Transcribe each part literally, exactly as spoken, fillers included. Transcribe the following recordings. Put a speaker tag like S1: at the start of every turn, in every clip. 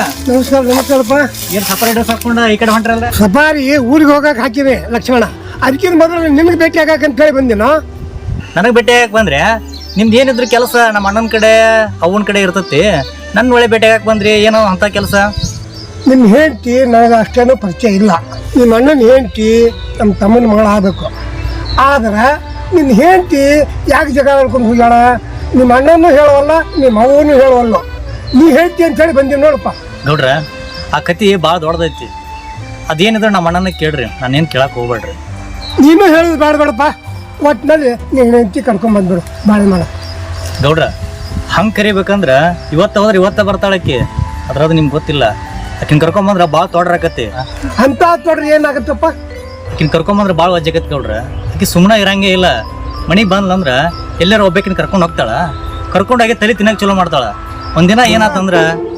S1: ನಮಸ್ಕಾರ ನಮಸ್ಕಾರಪ್ಪ.
S2: ಏನ್ separate dress ಹಾಕೊಂಡ ಈ ಕಡೆ ಹೊಂಟ್ರಲ್ಲ?
S1: ಸಫಾರಿ ಊರಿಗೆ ಹೋಗಕ್ಕೆ ಹಾಕಿದೆ ಲಕ್ಷ್ಮಣ. ಅದಕ್ಕಿಂತ ಮೊದಲು ನಿನಗೆ ಭೇಟಿ ಆಗಕ್ಕೆ ಹೇಳಿ ಬಂದಿನೋ.
S2: ನನಗೆ ಭೇಟಿ ಆಗಕ್ಕೆ ಬಂದ್ರೆ ನಿಮ್ದು ಏನಿದ್ರು ಕೆಲಸ ನಮ್ಮ ಅಣ್ಣನ ಕಡೆ ಅವನ ಕಡೆ ಇರ್ತತಿ. ನನ್ನ ಒಳ್ಳೆ ಭೇಟಿ ಆಗಕ್ಕೆ ಬಂದ್ರಿ ಏನೋ ಅಂತ ಕೆಲಸ?
S1: ನಿಮ್ಮ ಹೆಂಡತಿ ನನಗೆ ಅಷ್ಟೇನೂ ಪರಿಚಯ ಇಲ್ಲ. ನಿಮ್ಮ ಅಣ್ಣನ ಹೆಂಡತಿ ನಮ್ಮ ತಮ್ಮನ ಮಗಳು ಆಗಬೇಕು. ಆದ್ರೆ ನಿನ್ನ ಹೆಂಡತಿ ಯಾಕೆ ಜಗ ಹೇಳ್ಕೊಂಡು ಹೋಗ್ಯಾಳ? ನಿಮ್ಮ ಅಣ್ಣನೂ ಹೇಳುವಲ್ಲ, ನಿಮ್ಮ ಅವನು ಹೇಳುವಲ್ಲ. ನೀ ಹೇಳ್ತಿ ಅಂತೇಳಿ ಬಂದೀನಿ ನೋಡಪ್ಪ.
S2: ನೋಡ್ರ, ಆ ಕತಿ ಭಾಳ ದೊಡ್ಡದೈತಿ. ಅದೇನಿದ್ರೆ ನಮ್ಮ ಅಣ್ಣನ ಕೇಳ್ರಿ, ನಾನೇನು ಕೇಳಕ್ಕೆ ಹೋಗ್ಬೇಡ್ರಿ.
S1: ನೀನು ಹೇಳೋದು ಬೇಡ ಬೇಡಪ್ಪ. ಒಟ್ಟಿನಲ್ಲಿ ನೀನು ಹೆಂಡತಿ ಕರ್ಕೊಂಡ್ ಬಂದ್ಬಿಡು ಬಾಳೆ ಮಾಡ.
S2: ಗೌಡ್ರ, ಹಂಗೆ ಕರಿಬೇಕಂದ್ರೆ ಇವತ್ತು ಹೋದ್ರೆ ಇವತ್ತ ಬರ್ತಾಳಕ್ಕಿ. ಅದ್ರದ್ದು ನಿಮ್ಗೆ ಗೊತ್ತಿಲ್ಲ. ಆಕಿನ ಕರ್ಕೊಂಬಂದ್ರೆ ಭಾಳ ತೊಡ್ರಾಕತಿ.
S1: ಅಂತ ತೊಡ್ರಿ ಏನಾಗತ್ತಪ್ಪ?
S2: ಆಕಿನ ಕರ್ಕೊಂಬಂದ್ರೆ ಭಾಳ ವಜ್ಜಾಕತಿ ಗೌಡ್ರ. ಆಕಿ ಸುಮ್ಮನೆ ಇರಂಗೇ ಇಲ್ಲ. ಮನೆಗೆ ಬಂದ್ಲಂದ್ರೆ ಎಲ್ಲಾರು ಒಬ್ಬಾಕಿನ ಕರ್ಕೊಂಡು ಹೋಗ್ತಾಳ. ಕರ್ಕೊಂಡಾಗೆ ತಲೆ ತಿನ್ನಕ್ಕೆ ಚಲೋ ಮಾಡ್ತಾಳ. ಒಂದಿನ ಏನಾತಂದ್ರ,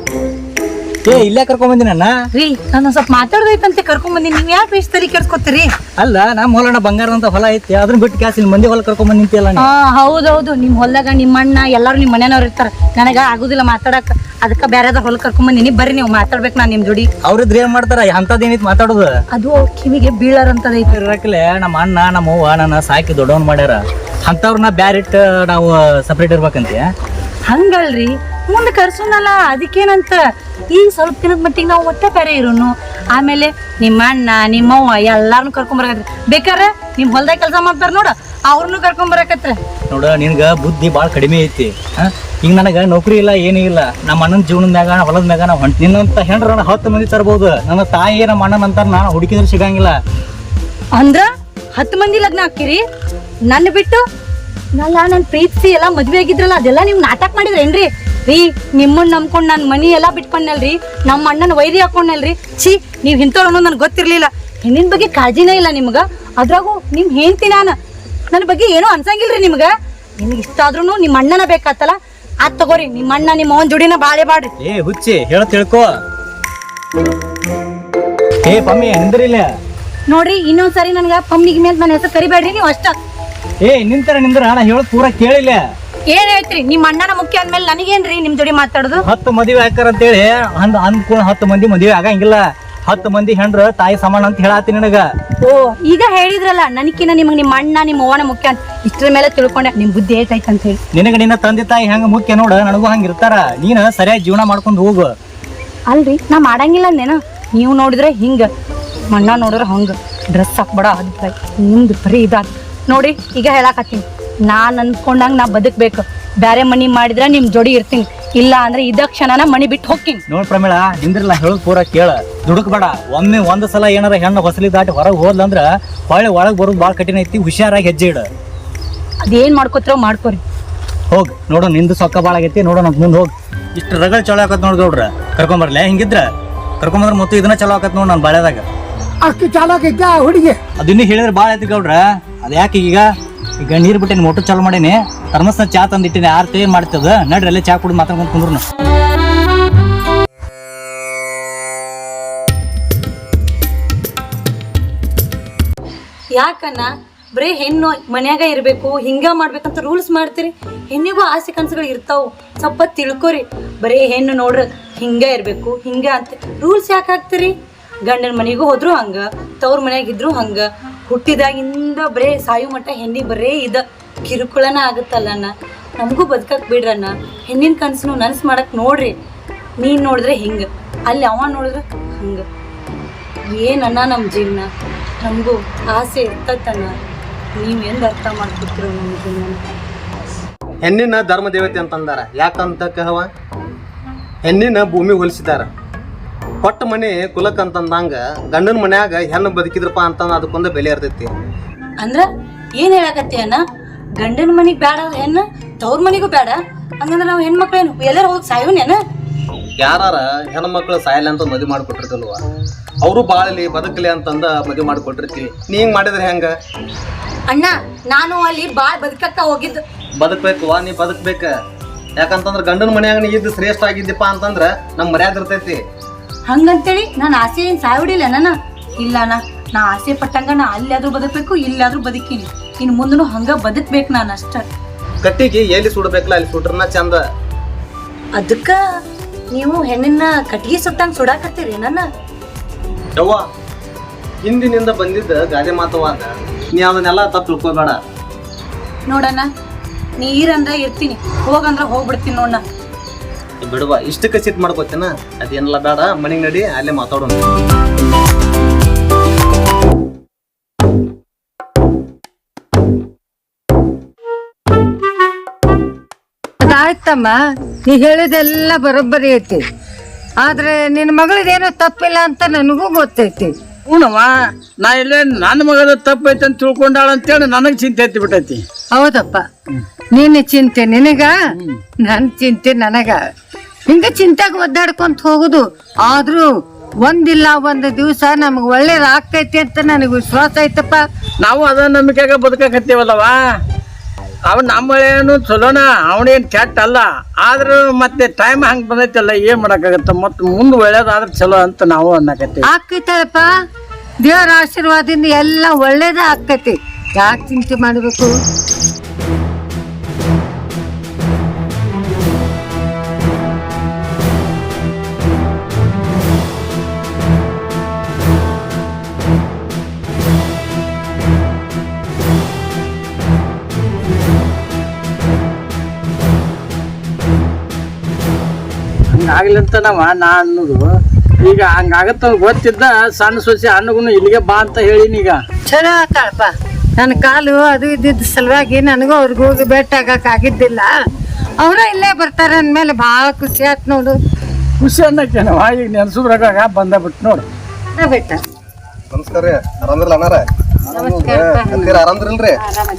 S2: ಏ ಇಲ್ಲೇ ಕರ್ಕೊಂಬಂದಿನ
S3: ರೀ, ನಾನು ಸ್ವಲ್ಪ ಮಾತಾಡ್ದೈತಂತೆ ಕರ್ಕೊಂಡ್ ಬಂದಿನಿ. ನೀವ್ ಯಾಕೆ ಎಷ್ಟು ತಲೆ ಕೆಡ್ಸ್ಕೊತೀರಿ?
S2: ಅಲ್ಲ, ನಮ್ಮ ಹೊಲನ ಬಂಗಾರದಂತ ಹೊಲ ಐತಿ, ಅದನ್ನ ಬಿಟ್ಟು ಕ್ಯಾಸ್ ಇಲ್ಲಿ ಮಂದಿ ಹೊಲ ಕರ್ಕೊಂಡ್ ನಿಂತಿಯಲ್ಲ.
S3: ಹಾ ಹೌದೌದು, ನಿಮ್ ಹೊಲ್ದಾಗ ನಿಮ್ಮ ಅಣ್ಣ ಎಲ್ಲಾರು ನಿಮ್ ಮನೆಯವ್ರು ಇರ್ತಾರ. ನನಗ ಆಗುದಿಲ್ಲ ಮಾತಾಡಕ್. ಅದಕ್ಕ ಬೇರೆದ ಹೊಲ ಕರ್ಕೊಂಡ್ ಬಂದಿನಿ. ಬರ್ರಿ ನೀವು ಮಾತಾಡ್ಬೇಕು ನಾನು ನಿಮ್ ಜೋಡಿ.
S2: ಅವ್ರಿದ್ರೆ ಏನ್ ಮಾಡ್ತಾರ? ಅಂತದೇನಿತ್ ಮಾತಾಡೋದು?
S3: ಅದು ಕಿವಿಗೆ ಬೀಳಾರಂತದೈತಿ.
S2: ಇರಕ್ಲೆ ನಮ್ಮ ಅಣ್ಣ ನಮ್ಮ ಅವ್ವ ನನ್ನ ಸಾಕಿ ದೊಡ್ಡವನ್ ಮಾಡ್ಯಾರ. ಅಂತವ್ರನ್ನ ಬ್ಯಾರಿಟ್ ನಾವು ಸಪ್ರೇಟ್ ಇರ್ಬೇಕಂತೆ.
S3: ಹಂಗಲ್ರಿ, ಮುಂದೆ ಕರ್ಸೋನಲ್ಲ, ಅದಕ್ಕೇನಂತ. ಈಗ ಸ್ವಲ್ಪ ದಿನದ ಮಟ್ಟಿಗೆ ನಾವು ಒಟ್ಟೆ ಬೇರೆ ಇರೋನು. ಆಮೇಲೆ ನಿಮ್ಮ ಅಣ್ಣ ನಿಮ್ಮವ್ವ ಎಲ್ಲಾರನು ಕರ್ಕೊಂಡ್ ಬರಕತ್ರಿ. ಬೇಕಾರೆ ನಿಮ್ ಹೊಲ್ದಾಗ ಕೆಲಸ ಮಾಡ್ತಾರ ನೋಡ, ಅವ್ರನ್ನು ಕರ್ಕೊಂಡ್ ಬರಕತ್ರ.
S2: ನೋಡ, ನಿನ್ಗ ಬುದ್ಧಿ ಭಾಳ ಕಡಿಮೆ ಐತಿ. ಈಗ ನನಗ ನೌಕರಿ ಇಲ್ಲ, ಏನೂ ಇಲ್ಲ. ನಮ್ಮ ಅಣ್ಣನ ಜೀವನದ ಮ್ಯಾಗ ಹೊಲದ ಮ್ಯಾಗ ನಾವು ಹೊಂಟ ನಿನ್ನಂತ ಹೆಣ್ರ ಹತ್ತು ಮಂದಿ ತರ್ಬೋದು. ನನ್ನ ತಾಯಿ ನಮ್ಮ ಅಣ್ಣನ ಅಂತಾರ, ನಾ ಹುಡುಕಿದ್ರೆ ಸಿಗಂಗಿಲ್ಲ.
S3: ಅಂದ್ರ ಹತ್ತು ಮಂದಿ ಲಗ್ನ ಹಾಕಿರಿ ನನ್ನ ಬಿಟ್ಟು? ನಲ್ಲ ನನ್ ಪ್ರೀತಿಸಿ ಎಲ್ಲಾ ಮದ್ವೆ ಆಗಿದ್ರಲ್ಲ, ಅದೆಲ್ಲ ನೀವ್ ನಾಟಕ ಮಾಡಿದ್ರೇನ್ರಿ? ರೀ, ನಿಮ್ಮನ್ನ ನಂಬ್ಕೊಂಡ್ ನಾನ್ ಮನಿ ಎಲ್ಲಾ ಬಿಟ್ಕೊಂಡಲ್ರಿ. ನಮ್ಮ ಅಣ್ಣನ ವೈರಿ ಹಾಕೊಂಡಲ್ರಿ. ಛೀ, ನೀವ್ ಇಂಥವ್ರು ಅನ್ನೋದು ನನ್ಗೆ ಗೊತ್ತಿರ್ಲಿಲ್ಲ. ಹೆಣ್ಣಿನ ಬಗ್ಗೆ ಕಾಳಜಿನೇ ಇಲ್ಲ ನಿಮ್ಗ. ಅದ್ರಾಗೂ ನಿಮ್ ಹೆಂಡ್ತಿ ನಾನು. ನನ್ನ ಬಗ್ಗೆ ಏನೋ ಅನ್ಸಂಗಿಲ್ರಿ ನಿಮ್ಗ. ನಿಮ್ಗೆ ಇಷ್ಟ ಆದ್ರೂ ನಿಮ್ಮ ಅಣ್ಣನ ಬೇಕಾತಲ್ಲ, ಅದ್ ತಗೋರಿ. ನಿಮ್ಮ ಅಣ್ಣ ನಿಮ್ಮ ಅವನ್ ಜೋಡಿನ ಬಾಳೆ ಬಾಡ್ರಿ.
S2: ಏ ಹುಚ್ಚಿ, ಹೇಳ ತಿಳ್ಕೊ. ಏ ಪಮ್ಮಿ, ನಿಂದ್ರಿಲ್ಲ
S3: ನೋಡ್ರಿ, ಇನ್ನೊಂದ್ಸರಿ ನನ್ಗ ಪಮ್ಮಿಗೆ ಮೇಲೆ ನನ್ನ ಹೆಸರು ಕರಿಬೇಡ್ರಿ ನೀವು ಅಷ್ಟ.
S2: ಏ ನಿಂತರ ನಿಂದ್ರ, ನಾ ಹೇಳೋದ್ ಪೂರ ಕೇಳಿಲ್ಲ.
S3: ಏನ್ ಹೇಳ್ತ್ರಿ? ನಿಮ್ಮ ಅಣ್ಣನ ಮುಖ್ಯ ಅಂದ್ಮೇಲೆ ನನಗೇನ್ರಿ ನಿಮ್ ಜೋಡಿ ಮಾತಾಡುದು?
S2: ಹತ್ತು ಮದುವೆ ಹಾಕಾರ ಅಂತೇಳಿ ಅಂದ್ ಅಂದ್ಕೂಡ ಹತ್ತು ಮಂದಿ ಮದುವೆ ಆಗಂಗಿಲ್ಲ. ಹತ್ತು ಮಂದಿ ಹೆಣ್ರ ತಾಯಿ ಸಮಾನ ಅಂತ ಹೇಳತ್ತೀನಿ ನಿನಗ.
S3: ಓ, ಈಗ ಹೇಳಿದ್ರಲ್ಲ ನನಕಿನ ನಿಮಗ್ ನಿಮ್ಮ ಅಣ್ಣ ನಿಮ್ಮ ಅವ್ವನ ಮುಖ್ಯ ಅಂತ. ಇಷ್ಟ್ರ ಮೇಲೆ ತಿಳ್ಕೊಂಡೆ ನಿಮ್ ಬುದ್ಧಿ ಏಟೈತೆ ಅಂತ ಹೇಳಿ.
S2: ನಿನಗ ನಿನ್ನ ತಂದೆ ತಾಯಿ ಹೆಂಗ ಮುಖ್ಯ ನೋಡ, ನನಗೂ ಹಂಗ ಇರ್ತಾರ. ನೀನ್ ಸರಿಯಾಗಿ ಜೀವನ ಮಾಡ್ಕೊಂಡು ಹೋಗು.
S3: ಅಲ್ರಿ, ನಾ ಮಾಡಂಗಿಲ್ಲ ಅಂದೇನ? ನೀವು ನೋಡಿದ್ರೆ ಹಿಂಗ, ಅಣ್ಣ ನೋಡಿದ್ರೆ ಹಂಗ. ಡ್ರೆಸ್ ಹಾಕ್ಬೇಡ, ಅದ್ ನಿಮ್ದು ಬರೀ ಇದಾದ ನೋಡಿ. ಈಗ ಹೇಳಾಕತ್ತೀನಿ, ನಾನ್ ಅನ್ಕೊಂಡಂಗ ನಾ ಬದುಕ್ಬೇಕು. ಬ್ಯಾರೆ ಮನಿ ಮಾಡಿದ್ರೆ ನಿಮ್ ಜೋಡಿ ಇರ್ತೀನಿ, ಇಲ್ಲ ಅಂದ್ರೆ ಇದ ಕ್ಷಣನ ಮನಿ ಬಿಟ್ಟು ಹೋಗ್ತೀನಿ.
S2: ನೋಡ್ ಪ್ರಮೇಳ, ನಿಂದ್ರಲ್ಲ ಹೇಳೋದ್ ಪೂರ ಕೇಳ. ದುಡುಕ್ಬೇಡ. ಒಮ್ಮೆ ಒಂದ್ ಸಲ ಏನಾರ ಹೆಣ್ಣು ಹೊಸಲಿ ದಾಟಿ ಹೊರಗೆ ಹೋದ್ಲಂದ್ರ ಹೊಳ್ಳಿ ಒಳಗ್ ಬರೋದು ಭಾಳ ಕಠಿಣ ಐತಿ. ಹುಷಾರಾಗಿ ಹೆಜ್ಜೆ ಇಡ.
S3: ಅದೇನ್ ಮಾಡ್ಕೋತಿರೋ ಮಾಡ್ಕೋರಿ.
S2: ಹೋಗ್ ನೋಡು, ನಿಂದು ಸೊಕ್ಕ ಭಾಳ ಆಗೈತಿ. ನೋಡೋಣ ಮುಂದೆ ಹೋಗ್. ಇಷ್ಟು ರಗಲ್ ಚಲೋ ಆಕತ್ ನೋಡ್ ಗೌಡ್ರ. ಕರ್ಕೊಂಬರ್ಲೆ ಹಿಂಗಿದ್ರ ಕರ್ಕೊಂಬಂದ್ರ ಮತ್ತು ಇದನ್ನ ಚಲೋ ಆಕತ್ ನೋಡ್ ನಾನು ಬಾಳ್ಯದಾಗ.
S1: ಅಷ್ಟು ಚಾಲಾಕೈತ ಹುಡುಗಿ.
S2: ಅದಿನ್ನೂ ಹೇಳಿದ್ರೆ ಭಾಳ ಐತಿ ಗೌಡ್ರ. ಅದ್ ಯಾಕೆ ಈಗ ಈಗ ನೀರು ಬಿಟ್ಟಿನಿ, ಮೋಟರ್ ಚಾಲು ಮಾಡೀನಿ. ಥರ್ಮಸ್ನ ಚಾ ತಂದಿಟ್ಟಿನಿ. ಆರ್ತಿ ಏನ್ ಮಾಡ್ತದ? ನಡ್ರಿ ಅಲ್ಲೇ ಚಾ ಕುಡಿ ಮಾತಾಡ್ಕೊಂಡು ಕುಂದ್ರು.
S3: ಯಾಕನ್ನ ಬರೀ ಹೆಣ್ಣು ಮನ್ಯಾಗ ಇರ್ಬೇಕು, ಹಿಂಗ ಮಾಡ್ಬೇಕಂತ ರೂಲ್ಸ್ ಮಾಡ್ತೀರಿ? ಹೆಣ್ಣಿಗೂ ಆಸೆ ಕನಸುಗಳು ಇರ್ತಾವು, ಸ್ವಲ್ಪ ತಿಳ್ಕೊರಿ. ಬರೀ ಹೆಣ್ಣು ನೋಡ್ರಿ ಹಿಂಗ ಇರ್ಬೇಕು ಹಿಂಗ ಅಂತ ರೂಲ್ಸ್ ಯಾಕೆ ಹಾಕ್ತೀರಿ? ಗಂಡನ ಮನೆಗೂ ಹೋದ್ರು ಹಂಗ, ತವ್ರ ಮನ್ಯಾಗಿದ್ರು ಹಂಗ. ಹುಟ್ಟಿದಾಗಿಂದ ಬರೇ ಸಾಯು ಮಟ್ಟ ಹೆಣ್ಣಿಗೆ ಬರೇ ಇದ ಕಿರುಕುಳನ ಆಗುತ್ತಲ್ಲಣ್ಣ. ನಮಗೂ ಬದುಕಕ್ ಬಿಡ್ರಣ್ಣ. ಹೆಣ್ಣಿನ ಕನಸನ್ನು ನನ್ಸ್ ಮಾಡಕ್ ನೋಡ್ರಿ. ನೀನ್ ನೋಡಿದ್ರೆ ಹಿಂಗ, ಅಲ್ಲಿ ಅವ ನೋಡಿದ್ರೆ ಹಂಗ. ಏನನ್ನ ನಮ್ಮ ಜೀವನ? ನಮಗೂ ಆಸೆ ಇರ್ತೈತಣ್ಣ. ನೀವು ಎಂದು ಅರ್ಥ ಮಾಡ್ಕೊತಿರೋ ನಮ್ಮ ಜೀವನ?
S4: ಹೆಣ್ಣಿನ ಧರ್ಮ ದೇವತೆ ಅಂತಂದಾರ. ಯಾಕಂತ ಕಹವ, ಹೆಣ್ಣಿನ ಭೂಮಿ ಹೋಲಿಸಿದಾರ. ಕೊಟ್ಟ ಮನೆ ಕುಲಕ್ಕಂತಂದಂಗ ಗಂಡನ ಮನ್ಯಾಗ ಹೆಣ್ಣು ಬದುಕಿದ್ರಪ್ಪ ಅಂತಂದ ಅದಕ್ಕೊಂದು ಬೆಲೆ ಇರ್ತೈತಿ.
S3: ಅಂದ್ರ ಏನ್ ಹೇಳಕತ್ತಿ ಅಣ್ಣ? ಗಂಡನ ಮನಿಗ್ ಬೇಡ ಹೆಣ್ಣು, ತವ್ರ ಮನಿಗೂ ಬೇಡ ಹಂಗಂದ್ರ ನಾವು ಹೆಣ್ಮಕ್ಳೇನು ಎಲ್ಲಾರು ಹೋಗಿ ಸಾಯೋನೇನ?
S4: ಯಾರ ಹೆಣ್ಮಕ್ಳು ಸಾಯಲ್ಲ ಅಂತ ಮದುವೆ ಮಾಡಿಕೊಟ್ಟಿರ್ತಲ್ವ, ಅವರು ಬಾಳಲಿ ಬದುಕಲಿ ಅಂತಂದ ಮದುವೆ ಮಾಡಿಕೊಟ್ಟಿರ್ತೀವಿ. ನೀ ಹಿಂಗ್ ಮಾಡಿದ್ರೆ ಹೆಂಗ
S3: ಅಣ್ಣ? ನಾನು ಅಲ್ಲಿ ಬಾಳ್ ಬದುಕಕ್ಕ ಹೋಗಿದ್ದು.
S4: ಬದುಕ್ಬೇಕು ವಾ, ನೀ ಬದುಕ್ಬೇಕ. ಯಾಕಂತಂದ್ರ ಗಂಡನ ಮನ್ಯಾಗ ನೀ ಇದ್ದು ಶ್ರೇಷ್ಠ ಆಗಿದ್ದಪ್ಪ ಅಂತಂದ್ರ ನಮ್ ಮರ್ಯಾದೆ ಇರ್ತೈತಿ.
S3: ಹಂಗಂತೇಳಿ ನಾನು ಆಸೆ ಏನ್ ಸಾಯ್ಬಿಡಿಲ್ಲ ನನ್ನ. ಇಲ್ಲ ಅಣ್ಣ, ನಾ ಆಸೆ ಪಟ್ಟಂಗ ನಾ ಅಲ್ಲಾದ್ರೂ ಬದುಕ್ಬೇಕು, ಇಲ್ಲಾದ್ರೂ ಬದುಕೀನಿ. ಇನ್ನು ಮುಂದೂ ಹಂಗ ಬದುಕ್ಬೇಕು ನಾನು ಅಷ್ಟ.
S4: ಕಟ್ಟಿಗೆ ಎಲ್ಲಿ ಸುಡಬೇಕಲ್ಲ ಅಲ್ಲಿ ಸುಡ್ರನ ಚಂದ.
S3: ಅದಕ್ಕ ನೀವು ಹೆಣ್ಣಿನ ಕಟ್ಗಿ ಸುಟ್ಟಂಗ್ ಸುಡಾಕತ್ತೀರಿ ನನ್ನ
S4: ಯವ್ವ ಹಿಂದಿನಿಂದ ಬಂದಿದ್ದ ಗಾದೆ ಮಾತವಾದ ನೀ ಅದನ್ನೆಲ್ಲ ತಪ್ಪು ತಿಳ್ಕೊಬೇಡ.
S3: ನೋಡಣ್ಣ ನೀರಂದ್ರ ಇರ್ತೀನಿ, ಹೋಗಂದ್ರ ಹೋಗ್ಬಿಡ್ತೀನಿ ನೋಡಣ್ಣ.
S4: ಬಿಡುವ ಇಷ್ಟಕ್ಕೆ ಸಿಟ್ ಮಾಡ್ಕೋತೇನ, ಅದೇನೆಲ್ಲ ಬೇಡ, ಮನೆಗೆ ನಡಿ, ಅಲ್ಲೇ ಮಾತಾಡೋಣ.
S5: ಆಯ್ತಮ್ಮ, ನೀ ಹೇಳಿದೆಲ್ಲ ಬರೋಬ್ಬರಿ ಐತಿ. ಆದ್ರೆ ನಿನ್ನ ಮಗಳದೇನೋ ತಪ್ಪಿಲ್ಲ ಅಂತ ನನಗೂ ಗೊತ್ತೈತಿ.
S6: ಹ್ಞೂನವ್ವ, ನಾ ಇಲ್ಲೇ ನನ್ನ ಮಗದ ತಪ್ಪೈತೆ ಅಂತ ತಿಳ್ಕೊಂಡಾಳ ಅಂತೇಳಿ ನನಗೆ ಚಿಂತೆ ಎತ್ತಿ ಬಿಟ್ಟೈತಿ.
S5: ಹೌದಪ್ಪ, ನಿನ್ನ ಚಿಂತೆ ನಿನಗ, ನನ್ನ ಚಿಂತೆ ನನಗ. ಹಿಂಗ ಚಿಂತೆಗೆ ಒದ್ದಾಡ್ಕೊಂತ ಹೋಗುದು. ಆದ್ರೂ ಒಂದಿಲ್ಲ ಒಂದು ದಿವಸ ನಮಗ್ ಒಳ್ಳೇದ್ ಆಗ್ತೈತಿ ಅಂತ ನನಗೆ ವಿಶ್ವಾಸ ಐತಪ್ಪ.
S6: ನಾವು ಅದ ನಂಬಿಕೆಗ ಬದುಕಕತ್ತೀವಲ್ಲವ. ಅವ ನಮ್ಮ ಏನು ಚಲೋನ, ಅವನೇನು ಕೆಟ್ಟ ಅಲ್ಲ. ಆದ್ರೂ ಮತ್ತೆ ಟೈಮ್ ಹಂಗೆ ಬಂದೈತಲ್ಲ, ಏನ್ ಮಾಡಕ್ಕಾಗತ್ತ. ಮತ್ತೆ ಮುಂದೆ ಒಳ್ಳೇದಾದ್ರೆ ಚಲೋ ಅಂತ ನಾವು ಅನ್ನಕತ್ತೀವಿ.
S5: ಆಕೈತಳಪ್ಪ, ದೇವರ ಆಶೀರ್ವಾದದಿಂದ ಎಲ್ಲ ಒಳ್ಳೇದ ಆಕೈತಿ. ಯಾಕೆ ಚಿಂತೆ ಮಾಡಬೇಕು?
S6: ಹಂಗಾಗ್ಲಿಂತ ನಾವ ನಾ ಅನ್ನೋದು ಈಗ ಹಂಗಾಗತ್ತ ಗೊತ್ತಿದ್ದ ಸಣ್ಣ ಸೊಸೆ ಅನ್ನಗೂ ಇಲ್ಲಿಗೆ ಬಾ ಅಂತ ಹೇಳಿನಿ. ಈಗ
S5: ಚಲೋ ಆತಾಳಪ್ಪ. ನನ್ನ ಕಾಲು ಅದು ಇದ್ದಿದ್ದ ಸಲುವಾಗಿ ನನಗೂ ಅವ್ರಿಗೆ ಹೋಗಿ ಭೇಟಿ ಆಗಕ್ ಆಗಿದ್ದಿಲ್ಲ. ಅವರ ಇಲ್ಲೇ ಬರ್ತಾರೆ ಅಂದ್ಮೇಲೆ ಭಾಳ ಖುಷಿ ಆಯ್ತು ನೋಡು.
S6: ಖುಷಿ ಅನ್ನಕ್ಕೇನವ, ಈಗ ನೆನ್ಸುದ್ರಾಗ ಬಂದ ಬಿಟ್ಟು ನೋಡು.
S5: ಬೇಟ
S4: ನಮಸ್ಕಾರ ರೀ, ಆರಾಮಿರಲ್ಲ ಅಣ್ಣಾರ? ಆರಾಮ್ದಿರಲ್ರಿ?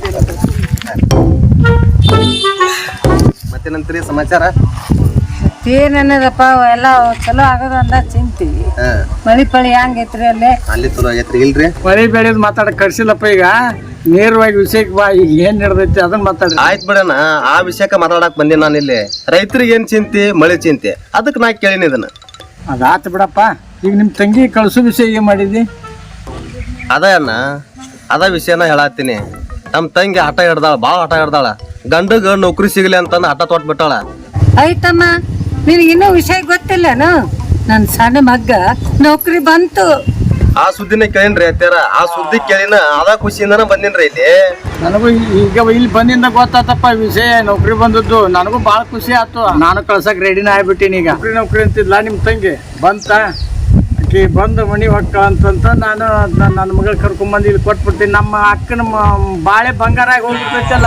S4: ಮತ್ತೇನಂತೀರಿ ಸಮಾಚಾರ?
S5: ಏನನ್ನದಪ್ಪ, ಎಲ್ಲ ಚಲೋ ಆಗೋದು ಅಂದ ಚಿಂತಿ. ಮಳಿ ಪಳಿ ಹೆಂಗೈತ್ರಿ ಅಲ್ಲೇ?
S4: ಅಲ್ಲಿ ಚಲೋ ಆಗೈತ್ರಿ. ಇಲ್ರಿ
S6: ಮಳಿ ಬೆಳೆದ್ ಮಾತಾಡಕ್ ಕರ್ಸಿಲ್ಲಪ್ಪ. ಈಗ ನೇರವಾಗಿ ವಿಷಯಕ್ಕೆ ಬಾ, ಈಗ ಏನ್ ನಡೆದೈತಿ ಅದನ್ನ ಮಾತಾಡ್ರಿ.
S4: ಆಯ್ತು ಬಿಡಣ, ಆ ವಿಷಯಕ್ಕೆ ಮಾತಾಡಕ್ ಬಂದಿ ನಾನು ಇಲ್ಲಿ. ರೈತರಿಗೆ ಏನ್ ಚಿಂತೆ, ಮಳೆ ಚಿಂತೆ, ಅದಕ್ಕೆ ನಾ ಕೇಳಿನಿ ಇದನ್ನ.
S6: ಅದಾತ ಬಿಡಪ್ಪ. ಈಗ ನಿಮ್ ತಂಗಿ ಕಳ್ಸೋ ವಿಷಯ ಏನ್ ಮಾಡಿದಿ?
S4: ಅದ ಅಣ್ಣ, ಅದ ವಿಷಯನ ಹೇಳತ್ತೀನಿ. ನಮ್ ತಂಗಿ ಆಟ ಹಿಡ್ದಾಳ, ಭಾಳ ಆಟ ಹಿಡ್ದಾಳ. ಗಂಡಗ ನೌಕರಿ ಸಿಗಲಿ ಅಂತಂದು ಆಟ ತೊಟ್ ಬಿಟ್ಟಾಳ.
S5: ಆಯ್ತಮ್ಮ, ನಿನಗಿನ್ನೂ ವಿಷಯ ಗೊತ್ತಿಲ್ಲನು? ನನ್ನ ಸಣ್ಣ ಮಗ್ಗ ನೌಕರಿ ಬಂತು.
S4: ಆ ಸುದ್ದಿನ ಕೇಳಿನ್ರಿ ಅತ್ಯಾರ. ಆ ಸುದ್ದಿ ಕೇಳಿನ ಅದ ಖುಷಿಯಿಂದನ ಬಂದಿನ್ರಿ ಇಲ್ಲಿ.
S6: ನನಗೂ ಈಗ ಇಲ್ಲಿ ಬಂದಿಂದ ಗೊತ್ತಾತಪ್ಪ ವಿಷಯ, ನೌಕರಿ ಬಂದದ್ದು. ನನಗೂ ಭಾಳ ಖುಷಿ ಆಯ್ತು. ನಾನು ಕಳ್ಸಕ್ ರೆಡಿನ ಆಗ್ಬಿಟ್ಟಿನಿ. ಈಗ ನೌಕರಿ ನೌಕರಿ ಅಂತಿದ್ಲ ನಿಮ್ ತಂಗಿ ಬಂತ. ಆಕಿ ಬಂದು ಮನಿ ಹೊಕ್ಕ ಅಂತಂತ ನಾನು ನನ್ನ ಮಗಳು ಕರ್ಕೊಂಡ್ಬಂದು ಇಲ್ಲಿ ಕೊಟ್ಬಿಡ್ತೀನಿ. ನಮ್ಮ ಅಕ್ಕನ ಬಾಳೆ ಬಂಗಾರ ಆಗಿ ಹೋಗ್ಬಿಟ್ಟೈತಲ್ಲ.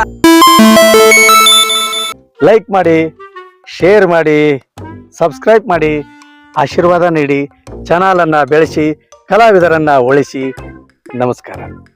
S7: ಲೈಕ್ ಮಾಡಿ, ಶೇರ್ ಮಾಡಿ, ಸಬ್ಸ್ಕ್ರೈಬ್ ಮಾಡಿ, ಆಶೀರ್ವಾದ ನೀಡಿ ಚಾನಲನ್ನು ಬೆಳೆಸಿ ಕಲಾವಿದರನ್ನು ಉಳಿಸಿ. ನಮಸ್ಕಾರ.